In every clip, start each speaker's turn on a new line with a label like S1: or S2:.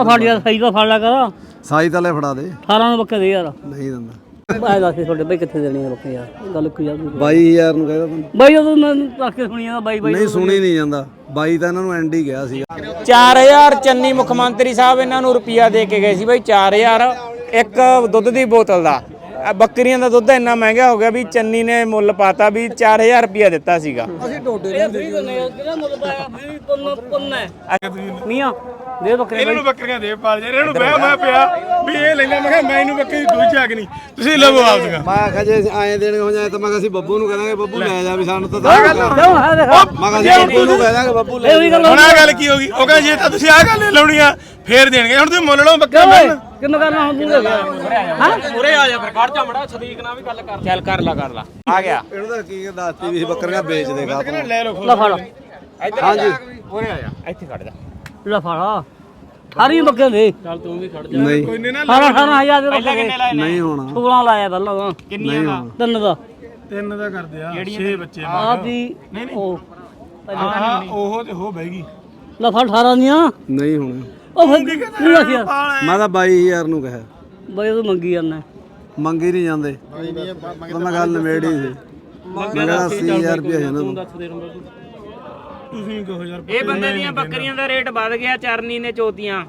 S1: ਫੜ ਯਾਰ ਸਹੀ ਤਾਂ ਫੜ ਲਿਆ ਕਰ
S2: ਸਾਈ ਤਾਂ ਲੈ ਫੜਾ ਦੇ
S1: 18 ਨੂੰ ਬੱਕੇ ਦੇ ਯਾਰ
S2: ਨਹੀਂ ਦਿੰਦਾ
S1: ਬਾਈ ਦੱਸ ਤੁਹਾਡੇ ਬਾਈ ਕਿੱਥੇ ਦੇਣੀ ਆ ਬੱਕੇ ਯਾਰ ਗੱਲ ਕੋਈ ਯਾਰ
S2: 22000 ਨੂੰ ਕਹਿੰਦਾ ਤੂੰ
S1: ਬਾਈ ਉਹ ਮੈਂ ਰੱਖ ਕੇ ਸੁਣੀ ਜਾਂਦਾ ਬਾਈ
S2: ਨਹੀਂ ਸੁਣੀ ਨਹੀਂ ਜਾਂਦਾ 22 ਤਾਂ ਇਹਨਾਂ ਨੂੰ ਐਂਡ ਹੀ ਗਿਆ ਸੀਗਾ
S3: 4000 ਚੰਨੀ ਮੁੱਖ ਮੰਤਰੀ ਸਾਹਿਬ ਇਹਨਾਂ ਨੂੰ ਰੁਪਈਆ ਦੇ ਕੇ ਗਏ ਸੀ ਬਾਈ 4000 ਇੱਕ ਦੁੱਧ ਦੀ ਬੋਤਲ ਦਾ ਬੱਕਰੀਆਂ ਦਾ ਦੁੱਧ ਇੰਨਾ ਮਹਿੰਗਾ ਹੋ ਗਿਆ ਵੀ ਚੰਨੀ ਨੇ ਮੁੱਲ ਪਾਤਾ ਵੀ 4000 ਰੁਪਈਆ ਦਿੱਤਾ ਸੀਗਾ
S1: ਅਸੀਂ ਟੋਡੇ ਦੇ ਕਿਹੜਾ ਮੁੱਲ ਪਾਇਆ ਵੀ ਪੁੰਨ ਹੈ ਮੀਆਂ ਦੇ ਬੱਕਰੇ
S4: ਇਹਨਾਂ ਨੂੰ ਬੱਕਰੀਆਂ ਦੇ ਪਾਲ ਜਾ ਇਹਨਾਂ ਨੂੰ ਬਹਿ ਮੈਂ ਪਿਆ ਵੀ ਇਹ ਲੈਂਦਾ ਮੈਂ ਕਿਹਾ ਮੈਂ ਇਹਨੂੰ ਬੱਕਰੀ ਦੂਜੀ ਆ ਕੇ ਨਹੀਂ ਤੁਸੀਂ ਲਵੋ ਆਪਦੀਆਂ
S2: ਮੈਂ ਆਖਿਆ ਜੇ ਐਂ ਦੇਣੇ ਹੋ ਜਾਏ ਤਾਂ ਮੈਂ ਕਿਹਾ ਅਸੀਂ ਬੱਬੂ ਨੂੰ ਕਹਾਂਗੇ ਬੱਬੂ ਲੈ ਜਾ ਵੀ ਸਾਨੂੰ ਤਾਂ
S1: ਕਿਉਂ ਹੈ ਦੇਖ
S2: ਮੈਂ ਕਿਹਾ ਅਸੀਂ ਬੱਬੂ ਨੂੰ ਕਹਿ ਦਾਂਗੇ ਬੱਬੂ ਲੈ
S4: ਹੁਣ ਆ ਗੱਲ ਕੀ ਹੋ ਗਈ ਉਹ ਕਹਿੰਦਾ ਜੇ ਤਾਂ ਤੁਸੀਂ ਆ ਗੱਲ ਲਾਉਣੀ ਆ ਫੇਰ ਦੇਣਗੇ ਹੁਣ ਤੁਸੀਂ ਮੁੱਲ ਲਓ ਬੱਕਰਾ ਮਿਲਣ
S1: ਕਿੰਨਾ ਕਰਨਾ ਹੁਣ ਤੂੰ ਹਾਂ
S3: ਉਰੇ ਆ ਜਾ ਫਿਰ ਖੜ ਜਾ ਮੜਾ ਸਦੀਕ ਨਾਲ ਵੀ ਗੱਲ ਕਰ ਚੱਲ ਕਰ ਲਾ ਆ ਗਿਆ
S2: ਇਹਨੂੰ ਤਾਂ ਕੀ ਦੱਸਤੀ ਵੀ ਬੱਕਰੀਆਂ ਵੇਚ ਦੇਗਾ ਤੂੰ
S4: ਲੈ ਲਓ
S1: ਲੈ ਫੜ
S2: ਹਾਂਜੀ
S3: ਉਰੇ ਆ ਜਾ ਇੱਥੇ ਖੜ ਜਾ
S1: ਲੈ ਫੜ ਸਾਰੀ ਬੱਕੇ ਦੇ
S3: ਚੱਲ ਤੂੰ ਵੀ ਖੜ ਜਾ
S2: ਨਹੀਂ
S4: ਕੋਈ ਨਹੀਂ ਨਾ
S1: 18,000 ਦੇ
S3: ਪਹਿਲਾਂ ਕਿੰਨੇ ਲਾਏ ਨੇ
S2: ਨਹੀਂ ਹੋਣਾ
S1: 16 ਲਾਇਆ ਪਹਿਲਾਂ
S3: ਕਿੰਨੀਆਂ ਦਾ
S1: ਤਿੰਨ ਦਾ
S4: ਤਿੰਨ ਦਾ ਕਰਦੇ ਆ 6 ਬੱਚੇ
S1: ਆ ਵੀ ਉਹ
S4: ਉਹ ਤੇ ਹੋ ਬਹਿਗੀ
S1: ਲੈ ਫੜ 18 ਦੀਆਂ
S2: ਨਹੀਂ ਹੋਣਾ
S1: ਉਹ ਫਿਰ ਨਹੀਂ ਰੱਖ ਯਾਰ
S2: ਮੈਂ ਤਾਂ 22000 ਨੂੰ ਕਿਹਾ
S1: ਬਾਈ ਉਹ ਮੰਗੀ ਜਾਂਦਾ
S2: ਮੰਗੀ ਨਹੀਂ ਜਾਂਦੇ ਤਾਂ ਮੈਂ ਗੱਲ ਨਵੇੜੀ ਸੀ ਮੈਂ ਕਿਹਾ 80000 ਰੁਪਏ ਹੈ ਨਾ
S4: ਤੁਸੀਂ ਕਹੋ ਯਾਰ
S3: ਇਹ ਬੰਦੇ ਦੀਆਂ ਬੱਕਰੀਆਂ ਦਾ ਰੇਟ ਵੱਧ ਗਿਆ ਚਰਨੀ ਨੇ ਚੋਤੀਆਂ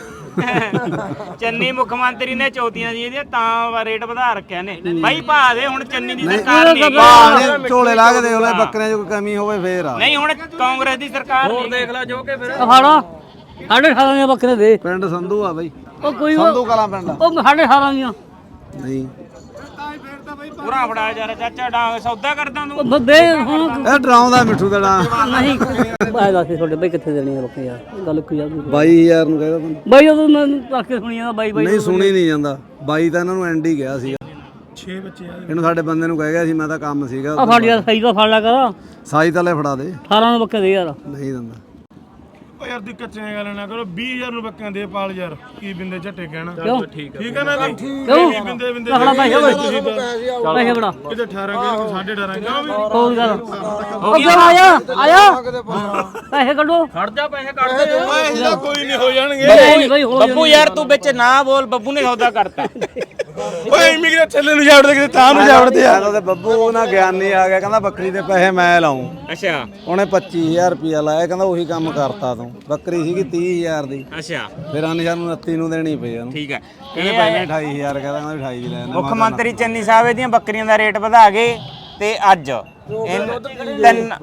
S3: ਚੰਨੀ ਮੁੱਖ ਮੰਤਰੀ ਨੇ ਚੋਤੀਆਂ ਦੀ ਇਹਦੀਆਂ ਤਾਂ ਰੇਟ ਵਧਾ ਰੱਖਿਆ ਨੇ ਬਾਈ ਭਾ ਦੇ ਹੁਣ ਚੰਨੀ ਦੀ ਸਰਕਾਰ ਨਹੀਂ
S2: ਝੋਲੇ ਲਾ ਕੇ ਦੇਖ ਲੈ ਬੱਕਰੀਆਂ 'ਚ ਕੋਈ ਕਮੀ ਹੋਵੇ ਫੇਰ ਆ
S3: ਨਹੀਂ ਹੁਣ ਕਾਂਗਰਸ ਦੀ ਸਰਕਾਰ ਨਹੀਂ ਦੇਖ ਲੈ ਜੋ ਕਿ ਫਿਰ
S1: ਫੜ 18,500 ਦੀਆਂ ਬੱਕਰੇ ਦੇ
S2: ਪਿੰਡ ਸੰਧੂ ਆ ਬਾਈ
S1: ਉਹ ਕੋਈ
S2: ਸੰਧੂ ਕਲਾਂ ਪਿੰਡ ਆ।
S1: ਉਹ 18,500 ਦੀਆਂ
S2: ਨਹੀਂ
S3: ਪੂਰਾ ਫੜਾ ਯਾਰ ਚਾਚਾ ਡਾਂਗ ਸੌਦਾ ਕਰਦਾ ਤੂੰ
S1: ਉਹ ਦੇ ਹੁਣ
S2: ਇਹ ਡਰਾਉਂਦਾ ਮਿੱਠੂ ਦਾ ਨਾਂ
S1: ਨਹੀਂ ਬਾਈ ਦੱਸ ਤੁਹਾਡੇ ਬਾਈ ਕਿੱਥੇ ਦੇਣੀ ਆ ਬੱਕਰੇ ਯਾਰ ਗੱਲ ਕੋਈ ਯਾਰ
S2: 22000 ਨੂੰ ਕਹਿੰਦਾ ਤੂੰ
S1: ਬਾਈ ਉਹ ਮੈਂ ਰੱਖ ਕੇ ਸੁਣੀ ਜਾਂਦਾ ਬਾਈ
S2: ਨਹੀਂ ਸੁਣੀ ਨਹੀਂ ਜਾਂਦਾ 22 ਤਾਂ ਇਹਨਾਂ ਨੂੰ ਐਂਡ ਹੀ ਗਿਆ ਸੀਗਾ
S4: 6 ਬੱਚੇ ਆ
S2: ਇਹਨੂੰ ਸਾਡੇ ਬੰਦੇ ਨੂੰ ਕਹਿ ਗਿਆ ਸੀ ਮੈਂ ਤਾਂ ਕੰਮ ਸੀਗਾ
S1: ਆ ਫੜ ਯਾਰ ਸਹੀ ਤਾਂ ਫੜ ਲਿਆ ਕਰ
S2: ਸਾਈ ਤਾਂ ਲੈ ਫੜਾ ਦੇ
S1: 18 ਨੂੰ ਬੱਕੇ ਦੇ ਯਾਰ
S2: ਨਹੀਂ ਦਿੰਦਾ
S4: ਓ ਯਾਰ ਤੁਸੀਂ ਕੱਚੀਆਂ ਗੱਲ ਨਾ ਕਰੋ 20000 ਨੂੰ ਬੱਕਰੀਆਂ ਦੇ ਪਾਲ ਯਾਰ ਕੀ ਬਿੰਦੇ ਝੱਟੇ ਕਹਿਣਾ
S1: ਕਿਉਂ
S4: ਠੀਕ ਹੈ ਨਾ ਵੀ
S1: ਕਿਉਂ
S4: ਬਿੰਦੇ ਬਿੰਦੇ
S1: ਫੜਾ ਪੈਸੇ
S4: ਤੁਸੀਂ ਤਾਂ
S1: ਪੈਸੇ ਬੜਾ
S4: ਕਿਤੇ 18 ਕਿਤੇ 18.5 ਕਿਉਂ ਵੀ
S1: ਹੋਰ ਗੱਲ ਉਹ ਕਿਉਂ ਆਇਆ ਪੈਸੇ ਕੱਢੋ
S3: ਖੜ ਜਾ ਪੈਸੇ ਕੱਢ ਦੇ
S4: ਇਹਦਾ ਕੋਈ ਨਹੀਂ ਹੋ ਜਾਣਗੇ
S1: ਬਾਈ ਹੋ
S3: ਬੱਬੂ ਯਾਰ ਤੂੰ ਵਿੱਚ ਨਾ ਬੋਲ ਬੱਬੂ ਨੇ ਸੌਦਾ ਕਰਤਾ
S4: ਓਏ ਇਮੀਗ੍ਰੇਟ ਥੱਲੇ ਨੂੰ ਜਾਵੜਦੇ ਕਿਤੇ ਤਾਂ ਨੂੰ ਜਾਵੜਦੇ ਆ
S2: ਉਹਦੇ ਬੱਬੂ ਨਾ ਗਿਆਨੀ ਆ ਗਿਆ ਕਹਿੰਦਾ ਬੱਕਰੀ ਦੇ ਪੈਸੇ ਮੈਂ ਲਾਉਂ
S3: ਅੱਛਾ
S2: ਉਹਨੇ 25000 ਰੁਪਇਆ ਲਾਇਆ ਕਹਿੰਦਾ ਉਹੀ ਕੰਮ ਕਰਤਾ ਤੂੰ ਬੱਕਰੀ ਸੀਗੀ 30000 ਦੀ
S3: ਅੱਛਾ
S2: ਫਿਰ ਅਨਸ਼ਾਨ ਨੂੰ 29 ਨੂੰ ਦੇਣੀ ਪਈ ਉਹਨੂੰ
S3: ਠੀਕ ਹੈ
S2: ਇਹਨੇ ਪਹਿਲੇ 28000 ਕਹਿੰਦਾ 28 ਦੀ ਲੈ
S3: ਮੁੱਖ ਮੰਤਰੀ ਚੰਨੀ ਸਾਹਿਬ ਇਹਦੀਆਂ ਬੱਕਰੀਆਂ ਦਾ ਰੇਟ ਵਧਾ ਗਏ ਤੇ ਅੱਜ ਤਿੰਨ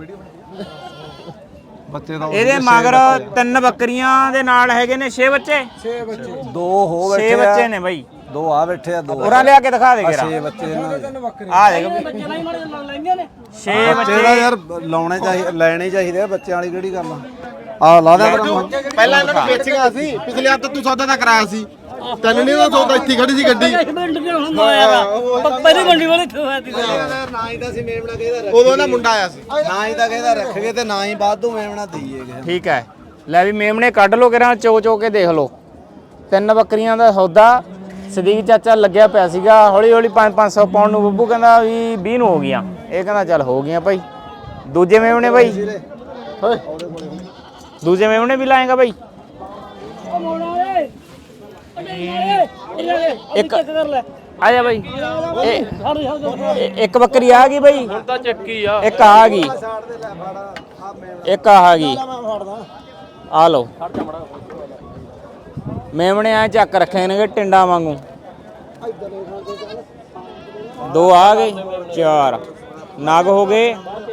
S2: ਬੱਚੇ ਦਾ
S3: ਇਹਦੇ ਮਗਰ 3 ਬੱਕਰੀਆਂ ਦੇ ਨਾਲ ਹੈਗੇ ਨੇ 6 ਬੱਚੇ
S2: ਦੋ ਹੋ
S3: 6
S2: ਬੈਠੇ
S3: ਬੱਚੇ
S2: ਆ
S3: ਨੇ ਬਾਈ
S2: ਦੋ ਆ ਬੈਠੇ ਆ ਦੋ
S3: ਉਰਾ ਲਿਆ ਕੇ ਦਿਖਾ ਦੇ
S2: ਆ
S3: ਜਰਾ
S2: 6 ਬੱਚੇ ਇਹਨਾਂ ਦੇ
S3: ਆ ਦੇਖ 6
S2: ਬੱਚੇ ਦਾ ਯਾਰ ਲਾਉਣੇ ਚਾਹੀਦੇ ਲੈਣੇ ਚਾਹੀਦੇ ਆ ਬੱਚਿਆਂ ਵਾਲੀ ਕਿਹੜੀ ਗੱਲ ਆ ਲਾ ਦੇ
S5: ਪਹਿਲਾਂ ਇਹਨਾਂ ਨੂੰ ਵੇਚੀਆਂ ਸੀ ਪਿਛਲੇ ਹਫ਼ਤੇ ਤੂੰ ਸੌਦਾ ਤਾਂ ਕਰਾਇਆ ਸੀ ਤੈਨੂੰ ਨਹੀਂ ਉਹ ਸੌਦਾ ਇੱਥੇ ਖੜੀ ਸੀ ਗੱਡੀ
S1: ਮਿੰਟ ਵੀ ਹੁੰਦਾ ਆਇਆ ਪਹਿਲੀ ਮੰਡੀ ਵਾਲੇ ਇੱਥੇ ਹੋਇਆ ਸੀ
S2: ਨਾ ਹੀ ਤਾਂ ਸੀ ਮੇਮਣਾ ਕਿਹਦਾ
S5: ਉਦੋਂ ਨਾ ਮੁੰਡਾ ਆਇਆ ਸੀ
S2: ਨਾ ਹੀ ਤਾਂ ਕਿਹਦਾ ਰੱਖਗੇ ਤੇ ਨਾ ਹੀ ਬਾਅਦੋਂ ਮੇਮਣਾ ਦਈਏ ਕਿਸੇ
S3: ਠੀਕ ਹੈ ਲੈ ਵੀ ਮੇਮਣੇ ਕੱਢ ਲੋ ਕਿਰਾਂ ਚੋ ਚੋ ਕੇ ਦੇਖ ਲੋ 3 ਬੱਕਰੀਆਂ ਦਾ ਸੌਦਾ ਸਦੀਕ ਚਾਚਾ ਲੱਗਿਆ ਪਿਆ ਸੀਗਾ ਹੌਲੀ ਹੌਲੀ 500 ਪਾਉਣ ਨੂੰ ਬੱਬੂ ਕਹਿੰਦਾ ਵੀ 20 ਨੂੰ ਹੋ ਗਈਆਂ ਇਹ ਕਹਿੰਦਾ ਚੱਲ ਹੋ ਗਈਆਂ ਭਾਈ ਦੂਜੇ ਮੇਮਣੇ ਭਾਈ ਦੂਜੇ ਮੇਮਣੇ ਵੀ ਲਾਏਗਾ ਭਾਈ ਇੱਕ ਆ ਜਾ ਭਾਈ ਇੱਕ ਬੱਕਰੀ ਆ ਗਈ ਭਾਈ ਹੁਣ ਤਾਂ ਚੱਕੀ ਆ ਇੱਕ ਆ ਗਈ ਇੱਕ ਆ ਗਈ ਆ ਲਓ ਮੇਮਣੇ ਆ ਚੱਕ ਰੱਖੇ ਨੇ ਟਿੰਡਾ ਵਾਂਗੂ 2 ਆ ਗਏ 4 ਨਗ ਹੋ ਗਏ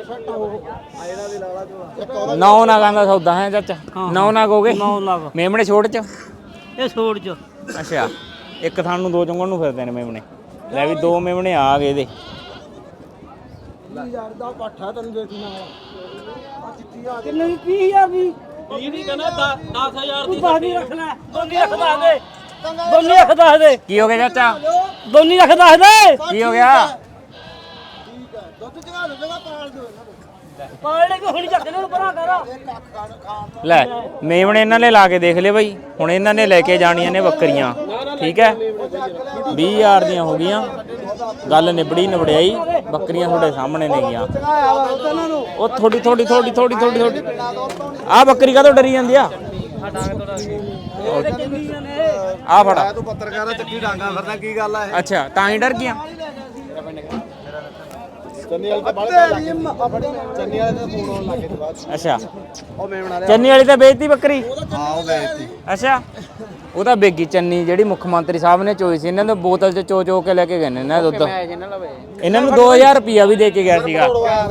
S3: 9 ਨਗਾਂ ਦਾ ਸੌਦਾ ਹੈ ਚਾਚਾ 9 ਨਗ ਹੋ ਗਏ
S1: 9 ਲੱਖ
S3: ਮੇਮਣੇ ਛੋਟ ਚ
S1: ਇਹ ਛੋੜ ਚ
S3: ਅੱਛਾ ਇੱਕ ਥਾਂ ਨੂੰ 2 ਚੁੰਗਣ ਨੂੰ ਫਿਰਦੇ ਨੇ ਮੇਮਣੇ ਲੈ ਵੀ 2 ਮੇਮਣੇ ਆ ਗਏ ਇਹਦੇ
S1: ਕਿੰਨੇ ਦੀ 30000 ਦੀ 20 ਦੀ ਕਹਿੰਦਾ 10000 ਦੀ ਬਾਕੀ ਰੱਖ ਲੈ ਦੋਨੀ ਰੱਖ ਦੱਸ ਦੇ ਦੋਨੀ ਰੱਖ ਦੱਸ ਦੇ
S3: ਕੀ ਹੋ ਗਿਆ ਚਾਚਾ
S1: ਦੋਨੀ ਰੱਖ ਦੱਸ ਦੇ
S3: ਕੀ ਹੋ ਗਿਆ
S1: ਪਾਲਣੇ ਕੋ ਹੁਣੀ ਚੱਕ ਨੂੰ ਪਰਾਂ ਕਰ
S3: ਲੈ ਮੇਮਣੇ ਇਹਨਾਂ ਨੇ ਲਾ ਕੇ ਦੇਖ ਲਏ ਬਾਈ ਹੁਣ ਇਹਨਾਂ ਨੇ ਲੈ ਕੇ ਜਾਣੀਆਂ ਨੇ ਬੱਕਰੀਆਂ ਠੀਕ ਹੈ 20000 ਦੀਆਂ ਹੋ ਗਈਆਂ ਗੱਲ ਨਿਬੜੀ ਨਿਬੜਿਆਈ ਬੱਕਰੀਆਂ ਤੁਹਾਡੇ ਸਾਹਮਣੇ ਨੇ ਗੀਆਂ ਉਹ ਥੋੜੀ ਆ ਬੱਕਰੀ ਕਾਹਤੋਂ ਡਰੀ ਜਾਂਦੀ ਆ ਆ ਫੜਾ
S2: ਤੂੰ ਪੱਤਰਕਾਰ ਆ ਚੱਕੀ ਡਾਂਗਾ ਫਿਰਦਾ ਕੀ ਗੱਲ ਆ ਇਹ
S3: ਅੱਛਾ ਤਾਂ ਹੀ ਡਰ ਗਿਆ
S5: ਚੰਨੀ ਵਾਲੇ ਤਾਂ ਬਾਹਰ ਚੰਨੀ ਵਾਲੇ ਦਾ ਫੋਨ ਆਉਣ ਲੱਗੇ ਤੇ ਬਾਅਦ
S3: ਅੱਛਾ
S2: ਉਹ ਮੇਮਣਾ
S3: ਚੰਨੀ ਵਾਲੀ ਤਾਂ ਵੇਚਤੀ ਬੱਕਰੀ
S2: ਹਾਂ ਉਹ ਵੇਚਤੀ
S3: ਅੱਛਾ ਉਹ ਤਾਂ ਬੇਗੀ ਚੰਨੀ ਜਿਹੜੀ ਮੁੱਖ ਮੰਤਰੀ ਸਾਹਿਬ ਨੇ ਚੋਈ ਸੀ ਇਹਨਾਂ ਨੂੰ ਬੋਤਲ 'ਚ ਚੋ ਕੇ ਲੈ ਕੇ ਗਏ ਨੇ ਇਹਨਾਂ ਦੁੱਧ ਇਹਨਾਂ ਨੂੰ 2000 ਰੁਪਿਆ ਵੀ ਦੇ ਕੇ ਗਿਆ ਸੀਗਾ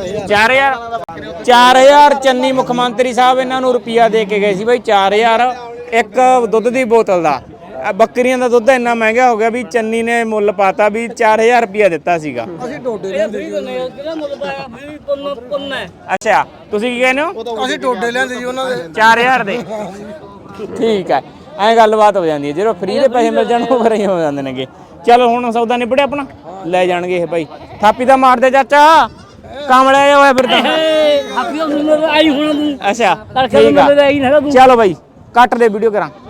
S3: 4000 ਚੰਨੀ ਮੁੱਖ ਮੰਤਰੀ ਸਾਹਿਬ ਇਹਨਾਂ ਨੂੰ ਰੁਪਿਆ ਦੇ ਕੇ ਗਏ ਸੀ ਬਈ 4000 ਇੱਕ ਦੁੱਧ ਦੀ ਬੋਤਲ ਦਾ ਬੱਕਰੀਆਂ ਦਾ ਦੁੱਧ ਇੰਨਾ ਮਹਿੰਗਾ ਹੋ ਗਿਆ ਵੀ ਚੰਨੀ ਨੇ ਮੁੱਲ ਪਾਤਾ ਵੀ 4000 ਰੁਪਿਆ ਦਿੱਤਾ ਸੀਗਾ
S1: ਅਸੀਂ ਟੋਡੇ ਲੈਂਦੇ ਕਿਹੜਾ ਮੁੱਲ ਪਾਇਆ ਵੀ ਪੁੰਨ ਹੈ
S3: ਅੱਛਾ ਤੁਸੀਂ ਕੀ ਕਹਿੰਦੇ ਹੋ
S2: ਅਸੀਂ ਟੋਡੇ ਲਿਆਂਦੇ ਜੀ ਉਹਨਾਂ ਦੇ
S3: 4000 ਦੇ ਠੀਕ ਹੈ ਐਂ ਗੱਲਬਾਤ ਹੋ ਜਾਂਦੀ ਹੈ ਜਦੋਂ ਫ੍ਰੀ ਦੇ ਪੈਸੇ ਮਿਲ ਜਾਣ ਉਹ ਫਿਰ ਹੀ ਹੋ ਜਾਂਦੇ ਨੇਗੇ ਚਲੋ ਹੁਣ ਸੌਦਾ ਨਿਬੜਿਆ ਆਪਣਾ ਲੈ ਜਾਣਗੇ ਇਹ ਭਾਈ ਥਾਪੀ ਤਾਂ ਮਾਰਦੇ ਚਾਚਾ ਕਾਮਲਾ ਹੋਇਆ ਫਿਰ ਤਾਂ
S1: ਆਪੀ ਉਹ ਆਈ ਹੋਣਾ ਤੂੰ
S3: ਅੱਛਾ
S1: ਕਰਕੇ
S3: ਠੀਕ ਆ
S1: ਮੁੱਲ ਆਈ ਨਾ ਤੂੰ
S3: ਚਲੋ ਭਾਈ ਕੱਟ ਦੇ ਵੀਡੀਓ ਕਰਾਂ